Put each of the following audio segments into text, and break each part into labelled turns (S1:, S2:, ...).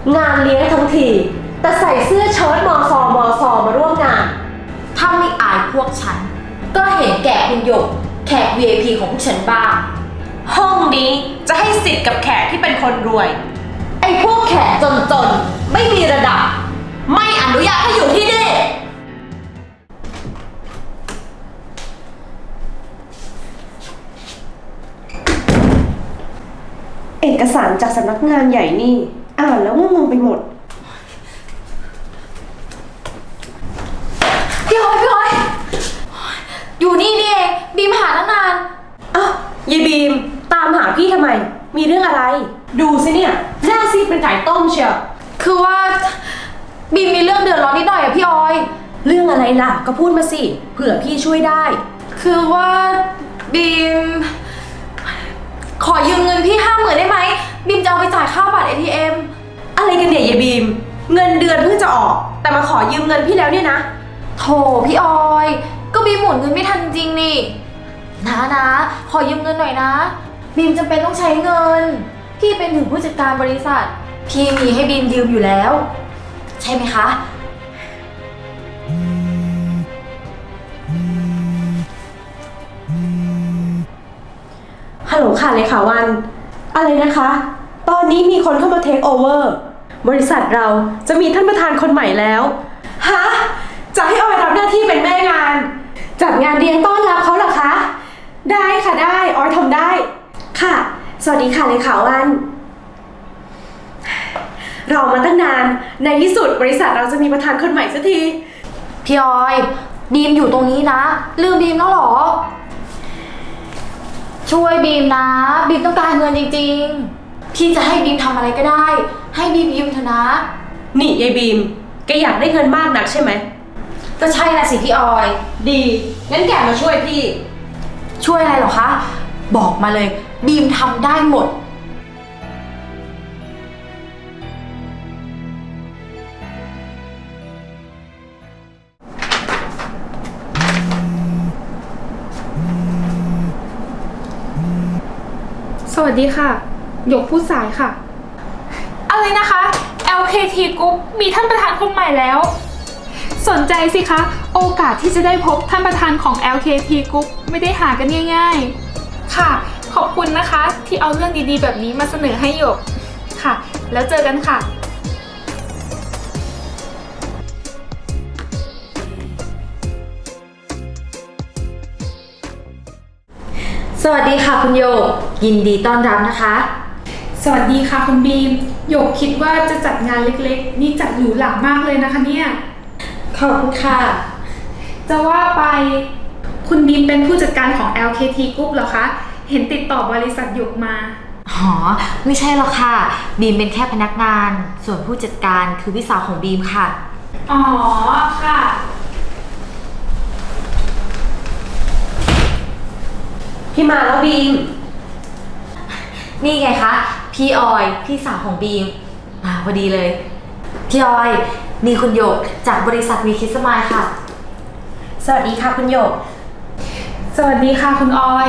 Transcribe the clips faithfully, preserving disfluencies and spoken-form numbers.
S1: งานเลี้ยงทั้งทีแต่ใส่เสื้อเชิ้ตมอซอมอซอมาร่วมงาน
S2: ถ้าไม่อายพวกฉันก็เห็นแก่คุณหยกแขก วี ไอ พี ของพวกฉันบ้าง
S3: ห้องนี้จะให้สิทธิ์กับแขกที่เป็นคนรวย
S1: ไอ้พวกแขกจนๆไม่มีระดับไม่อนุญาตให้อยู่ที่นี่เอกสารจากสำนักงานใหญ่นี่อ่านแล้วงงไปหมด
S2: พี่ออยพี่ออยอยู่นี่นี่เองบีมหาตั้งนาน
S1: อ้าวยายบีมตามหาพี่ทำไมมีเรื่องอะไรดูสิเนี่ยหน้าซีดเป็นไก่ต้มเชียว
S2: คือว่าบีมมีเรื่องเดือดร้อนนิดหน่อยอะพี่ออย
S1: เรื่องอะไรล่ะก็พูดมาสิเผื่อพี่ช่วยได้
S2: คือว่าบีมขอยืมเงินพี่ห้าหมื่นได้ไหมบีมจะเอาไปจ่ายค่าบัตร เอ ที เอ็ม
S1: อะไรกันเนี่ยยายบีมเงินเดือนเพิ่งจะออกแต่มาขอยืมเงินพี่แล้วเนี่ยนะ
S2: โถพี่ออยก็บีมหมุนเงินไม่ทันจริงนี่นะนะขอยืมเงินหน่อยนะบีมจำเป็นต้องใช้เงินพี่เป็นถึงผู้จัดการบริษัทพี่มีให้บีมยืมอยู่แล้วใช่ไหมคะ
S1: ฮัลโหลค่ะเลขาวันอะไรนะคะตอนนี้มีคนเข้ามาเทคโอเวอร์บริษัทเราจะมีท่านประธานคนใหม่แล้วฮะจะให้ออยรับหน้าที่เป็นแม่งานจัดงานเลี้ยงต้อนรับเขาเหรอคะได้ค่ะได้ออยทำได้ค่ะสวัสดีค่ะเลขาวันรอมาตั้งนานในที่สุดบริษัทเราจะมีประธานคนใหม่สักที
S2: พี่ออยบีมอยู่ตรงนี้นะลืมบีมแล้วหรอช่วยบีมนะบีมต้องการเงินจริงๆพี่จะให้บีมทำอะไรก็ได้ให้บีมยืมเถอะนะ
S1: นี่ยายบีมแกอยากได้เงินมากนักใช่ไหม
S2: ก็ใช่นะสิพี่ออย
S1: ดีงั้นแกมาช่วยพี่
S2: ช่วยอะไรหรอคะบอกมาเลยบีมทำได้หมด
S4: สวัสดีค่ะหยกผู้สายค่ะอะไรนะคะ แอล เค ที Group มีท่านประธานคนใหม่แล้วสนใจสิคะโอกาสที่จะได้พบท่านประธานของ แอล เค ที Group ไม่ได้หากันง่ายๆค่ะขอบคุณนะคะที่เอาเรื่องดีๆแบบนี้มาเสนอให้หยกค่ะแล้วเจอกันค่ะ
S2: สวัสดีค่ะคุณโยกยินดีต้อนรับนะคะ
S4: สวัสดีค่ะคุณบีมหยกคิดว่าจะจัดงานเล็กๆนี่จัดหรูหรามากเลยนะคะเนี่ย
S2: ขอบคุณค่ะ
S4: จะว่าไปคุณบีมเป็นผู้จัดการของ แอล เค ที Group เหรอคะเห็นติดต่อบริษัทหยกมา
S2: อ๋อไม่ใช่หรอกค่ะบีมเป็นแค่พนักงานส่วนผู้จัดการคือพี่สาวของบีมค่ะ
S4: อ๋อค่ะ
S1: พี่มาแล้วบีม
S2: นี่ไงคะพี่ออยพี่สาวของบีมมาพอดีเลยพี่ออยนี่คุณหยกจากบริษัทวีคิสมายค่ะ
S1: สวัสดีค่ะคุณหยก
S4: สวัสดีค่ะคุณออย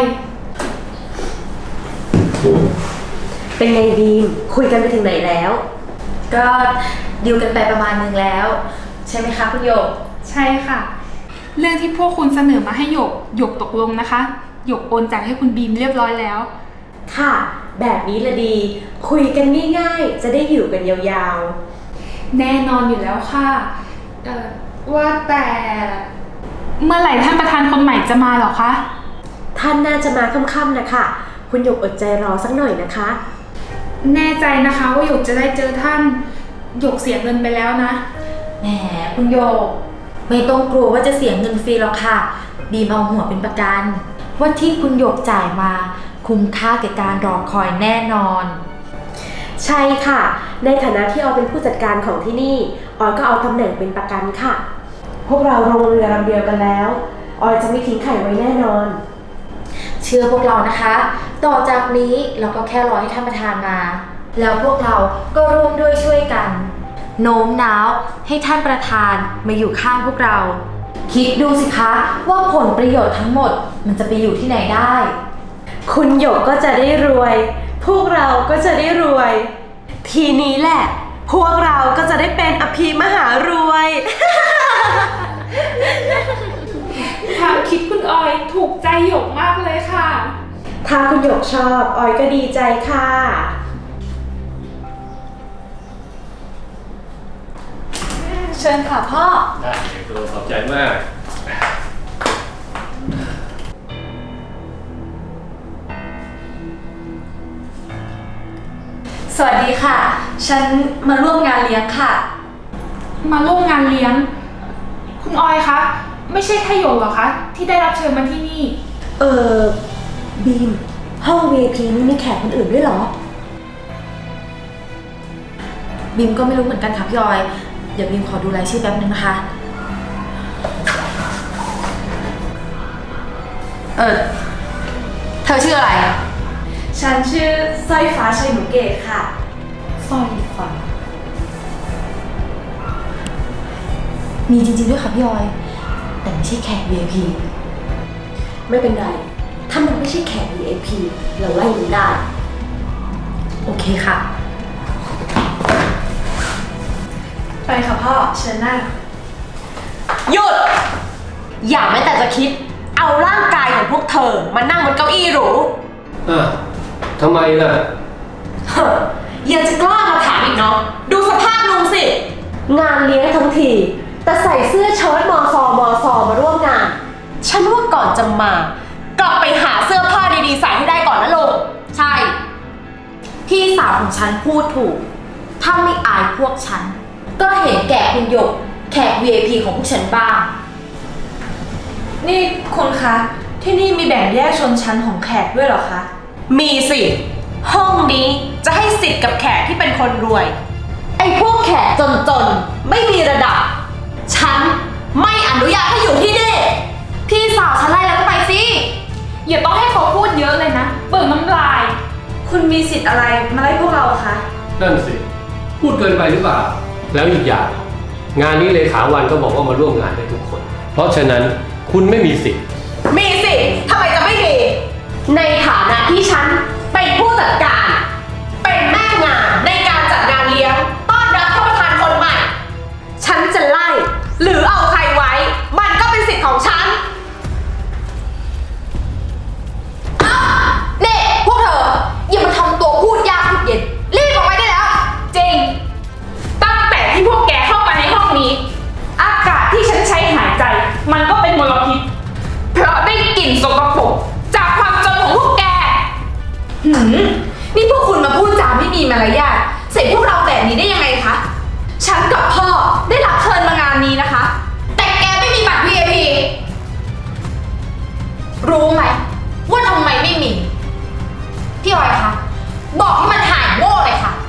S1: เป็นไงบีมคุยกันไปถึงไหนแล้ว
S2: ก็ดีลกันไปประมาณนึงแล้วใช่ไหมคะคุณหยก
S4: ใช่ค่ะเรื่องที่พวกคุณเสนอมาให้หยกหยกตกลงนะคะหยกโอนจ่ายให้คุณบีมเรียบร้อยแล้ว
S1: ค่ะแบบนี้ละดีคุยกันง่ายๆจะได้อยู่กันยาว
S4: ๆแน่นอนอยู่แล้วค่ะเอ่อว่าแต่เมื่อไหร่ท่านประธานคนใหม่จะมาหรอคะ
S1: ท่านน่าจะมาค่ำๆนะคะคุณหยกอดใจรอสักหน่อยนะคะ
S4: แน่ใจนะคะว่าหยกจะได้เจอท่านหยกเสียเงินไปแล้วนะ
S2: แหมคุณหยกไม่ต้องกลัวว่าจะเสียเงินฟรีหรอกค่ะบีมเอาหัวเป็นประกันว่าที่คุณหยกจ่ายมาคุ้มค่าแก่การรอคอยแน่นอน
S1: ใช่ค่ะในฐานะที่ออยเป็นผู้จัดการของที่นี่ออยก็เอาตำแหน่งเป็นประกันค่ะพวกเราลงเรือลำเดียวกันแล้วออยจะไม่ทิ้งไข่ไว้แน่นอน
S2: เชื่อพวกเรานะคะต่อจากนี้เราก็แค่รอให้ท่านประธานมาแล้วพวกเราก็ร่วมด้วยช่วยกันโน้มน้าวให้ท่านประธานมาอยู่ข้างพวกเราคิดดูสิคะว่าผลประโยชน์ทั้งหมดมันจะไปอยู่ที่ไหนได้
S1: คุณ คุณหยกก็จะได้รวยพวกเราก็จะได้รวยทีนี้แหละพวกเราก็จะได้เป็นอภิมหารวย
S4: ความคิดคุณออยถูกใจหยกมากเลยค่ะ
S1: ถ้าคุณหยกชอบออยก็ดีใจค่ะ
S2: เชิญค่ะพ่อ
S5: ได้เด็กตัวขอบใจมาก
S2: สวัสดีค่ะ ฉันมาร่วมงานเลี้ยงค่ะ
S4: มาร่วมงานเลี้ยง คุณออยคะ ไม่ใช่แค่หยกเหรอคะ ที่ได้รับเชิญมาที่นี่
S1: เออบีม ห้อง วี ไอ พี นี่มีแขกคนอื่นด้วยเหรอ
S2: บิมก็ไม่รู้เหมือนกันค่ะพี่ออย เดี๋ยวบิมขอดูรายชื่อแป๊บนึงนะคะ เออเธอชื่ออะไร
S3: ฉันชื่อสร้อยฟ้าชัยหนุเกตค่ะ
S2: สร้อยฟ้า มีจริงๆด้วยค่ะพี่ออย แต่ไม่ใช่แขก วี ไอ พี
S1: ไม่เป็นไร ถ้ามันไม่ใช่แขก วี ไอ พี เราไล่มันได้
S2: โอเคค่ะ
S3: ไปค่ะพ่อ เชิญนั่ง
S1: หยุด อย่าแม้แต่จะคิด เอาร่างกายของพวกเธอมานั่งบนเก้าอี้หรู
S5: อ่ะทำไมล่ะ
S1: เฮ้อยังจะกล้ามาถามอีกเนาะ ดูสภาพลุงสิ งานเลี้ยงทั้งที แต่ใส่เสื้อเชิ้ตมอซอมอซอมาร่วมงาน ฉันว่าก่อนจะมา กลับไปหาเสื้อผ้าดีๆใส่ให้ได้ก่อนนะลุง
S2: ใช่ พี่สาวของฉันพูดถูก ถ้าไม่อายพวกฉัน ก็เห็นแก่คุณหยก แขก วี ไอ พี ของพวกฉันบ้าง
S3: นี่คุณคะ ที่นี่มีแบ่งแยกชนชั้นของแขกด้วยเหรอคะ
S1: มีสิ ห้องนี้จะให้สิทธิ์กับแขกที่เป็นคนรวย ไอ้พวกแขกจนๆ ไม่มีระดับ ฉันไม่อนุญาตให้อยู่ที่นี่
S2: พี่สาวฉันไล่แล้วก็ไปสิ
S4: อย่าต้องให้เขาพูดเยอะเลยนะ เบิกน้ำลาย
S3: คุณมีสิทธิ์อะไรมาไล่พวกเราคะ
S5: นั่นสิ พูดเกินไปหรือเปล่า แล้วอีกอย่าง งานนี้เลขาวันก็บอกว่ามาร่วมงานได้ทุกคน เพราะฉะนั้นคุณไม่มีสิทธิ์
S1: มีสิทำไมจะไม่มี ในฐานะที่ฉันเป็นผู้จัดการ เป็นแม่งานในการจัดงานเลี้ยงต้อนรับท่านประธานคนใหม่ ฉันจะไล่ หรือเอาใครไว้ มันก็เป็นสิทธิ์ของฉัน
S2: เน่พวกเธอ อย่ามาทำตัวพูดยากพูดเย็น รีบออกไปได้แล้ว
S4: จริง ตั้งแต่ที่พวกแกเข้ามาในห้องนี้ อากาศที่ฉันใช้หายใจ มันก็เป็นมลพิษ เพราะได้กลิ่นสกปรกจากความจนของพวกแก
S2: หืม นี่พวกคุณมาพูดจาไม่มีมารยาทใส่พวกเราแบบนี้ได้ยังไงคะ ฉันกับพ่อได้รับเชิญมางานนี้นะคะ แต่แกไม่มีบัตร วี ไอ พี รู้ไหมว่าทำไมไม่มี พี่ออยคะ บอกให้มันหายโง่เลยค่ะ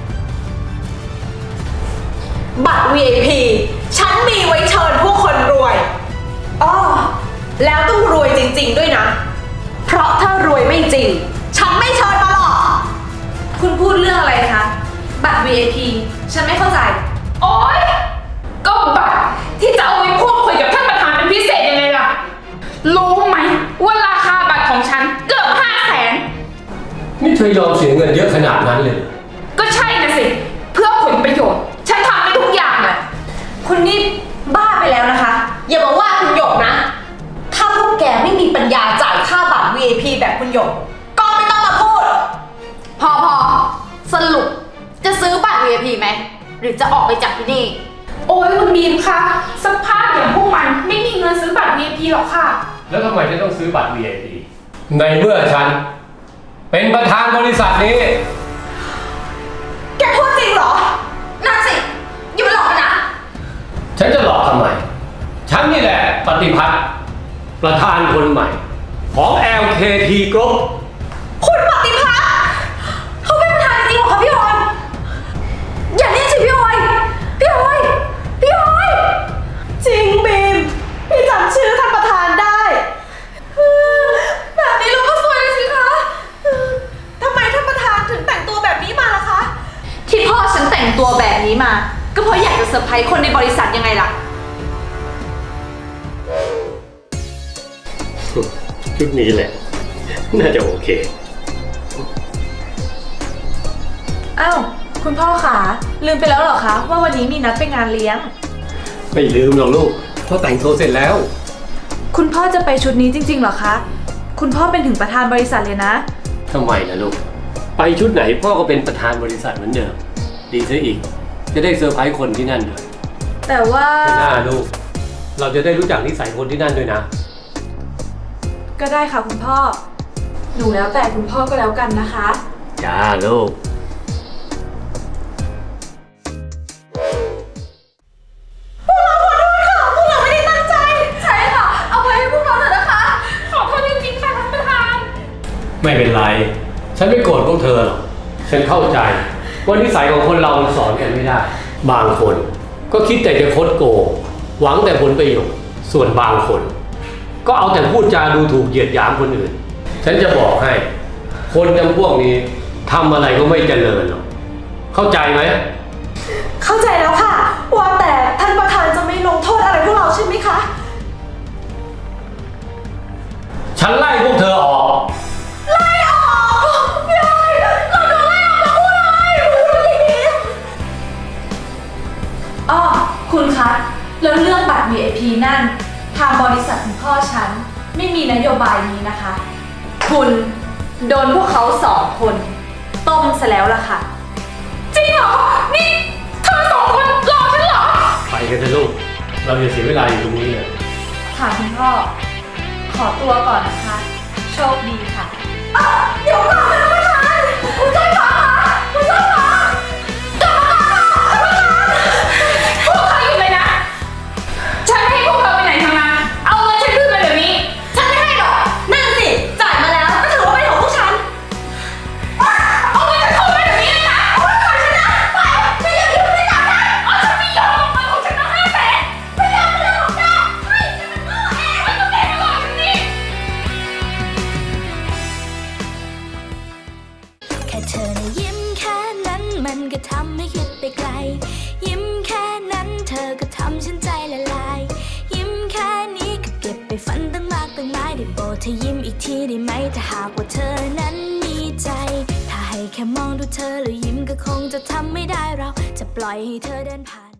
S1: บัตร วี ไอ พี ฉันมีไว้เชิญผู้คนรวยอ้อแล้วต้องรวยจริงๆด้วยนะ เพราะถ้ารวยไม่จริง ฉันไม่เชิญมาหรอก
S3: คุณพูดเรื่องอะไรคะ บัตร วี ไอ พี ฉันไม่เข้าใจ
S4: โอ๊ย ก็บัตรที่จะเอาไว้พูดคุยกับท่านประธานเป็นพิเศษยังไงล่ะ รู้ไหมว่าราคาบัตรของฉันเกือบห้าแสน
S5: นี่เธอยอมเสียเงินเยอะขนาดนั้นเลยเหรอ
S4: ก็ใช่นะสิ เพื่อผลประโยชน์ ฉันทำได้ทุกอย่างแหละ
S3: คุณนี่บ้าไปแล้วนะคะ
S1: อย่ามาว่าคุณหยกนะ ถ้าพวกแกไม่มีปัญญาจ่ายค่าบัตร วี ไอ พี แบบคุณหยก ก็ไม่ต้องมาพูด
S2: พอพอสรุปจะซื้อบัตร วี ไอ พี ไหม หรือจะออกไปจากที่นี่
S4: โอ้ยคุณบีมคะสภาพอย่างพวกมันไม่มีเงินซื้อบัตร วี ไอ พี หรอกค่ะ
S5: แล้วทำไมฉันต้องซื้อบัตร วี ไอ พี ในเมื่อฉัน เป็นประธานบริษัทนี้
S1: แกพูดจริงเหรอ
S2: นั่นสิ อย่ามาหลอกกันนะ
S5: ฉันจะหลอกทำไม ฉันนี่แหละปฏิพัฒน์ประธานคนใหม่ ของ แอล เค ที Group
S1: คุณปฏิพัฒน์เขาเป็นประธานจริงเหรอคะพี่ออย อย่าเรียกชื่อพี่ออย พี่ออย พี่ออย จริงบีม พี่จำชื่อท่านประธานได้ แบบนี้เราก็สวยเลยสิคะทำไมท่านประธานถึงแต่งตัวแบบนี้มาล่ะคะ
S2: ที่พ่อฉันแต่งตัวแบบนี้มา ก็เพราะอยากจะเซอร์ไพรส์คนในบริษัทยังไงล่ะ
S5: ชุดนี้แหละ น่าจะโอเค
S3: อ้าวคุณพ่อคะลืมไปแล้วเหรอคะว่าวันนี้มีนัดไปงานเลี้ยง
S5: ไม่ลืมหรอกลูกเพราะแต่งตัวเสร็จแล้ว
S3: คุณพ่อจะไปชุดนี้จริงๆเหรอคะ คุณพ่อเป็นถึงประธานบริษัทเลยนะ
S5: ทำไมล่ะลูก ไปชุดไหนพ่อก็เป็นประธานบริษัทเหมือนเดิม ดีซะอีก จะได้เซอร์ไพรส์คนที่นั่นด้วย
S3: แต่ว่า
S5: ไม่น่าลูก เราจะได้รู้จักนิสัยคนที่นั่นด้วยนะ
S3: ก็ได้ค่ะคุณพ่อ หนูแล้วแต่คุณพ่อก็แล้วกันนะคะ
S5: จ้าลูก
S3: ใช่ค่ะ เอาไปให้พวกเราเถอะนะคะ
S4: ขอโทษจริงๆค่ะท่านประธาน
S5: ไม่เป็นไร ฉันไม่โกรธพวกเธอหรอก ฉันเข้าใจว่านิสัยของคนเรามันสอนกันไม่ได้ บางคนก็คิดแต่จะคดโกง หวังแต่ผลประโยชน์ ส่วนบางคน ก็เอาแต่พูดจาดูถูกเหยียดหยามคนอื่น ฉันจะบอกให้ คนจำพวกนี้ทำอะไรก็ไม่เจริญหรอก เข้าใจไหม
S1: เข้าใจแล้วค่ะ ว่าแต่ท่านประธานจะไม่ลงโทษอะไรพวกเราใช่ไหมคะ
S5: ฉันไล่พวกเธอออก
S3: อ้อคุณคะ แล้วเรื่องบัตร วี ไอ พี นั่น ทางบริษัทของพ่อฉันไม่มีนโยบายนี้นะคะ คุณโดนพวกเขาสองคนต้มซะแล้วล่ะค่ะ
S4: จริงเหรอ นี่เธอสองคนรอฉันเหรอ
S5: ไปกันเถอะลูก เราจะเสียเวลาอยู่ตรงนี้เลย
S3: ค่ะคุณพ่อ ขอตัวก่อนนะคะ โชคดีค่ะ
S1: เดี๋ยวก่อนนะท่านประธานคุณช่วยฟ้าค่ะคุณช่วยฟ้า
S4: พวกเขาอยู่เลยนะ ฉันไม่ให้พวกเธอไปไหนทั้งนั้น เอาเงินฉันคืนมาเดี๋ยวนี้
S1: ฉันไม่ให้หรอก นั่นสิ จ่ายมาแล้วก็ถือว่าเป็นของพวกฉัน
S4: เอาเงินฉันคืนมาเดี๋ยวนี้เลยนะเอาเงินของฉันนะไปฉันอยากอยู่ในจับได้เอาฉันไม่ยอมเอาเงินของฉันมาห้าแสนไม่ยอมไม่ยอมของแกให้ฉันมันโง่เองไม่ต้องแกมาหลอกฉันนี่
S6: แค่เธอนะยิ้มแค่นั้นมันก็ทำให้คิดไปไกล ยิ้มแค่นั้นเธอก็ทำฉันใจละลาย ยิ้มแค่นี้ก็เก็บไปฝันตั้งมากตั้งหลายได้โปรดเธอยิ้มอีกทีได้ไหมถ้าหากว่าเธอนั้นมีใจ ถ้าให้แค่มองดูเธอแล้วยิ้มก็คงจะทำไม่ได้เราจะปล่อยให้เธอเดินผ่าน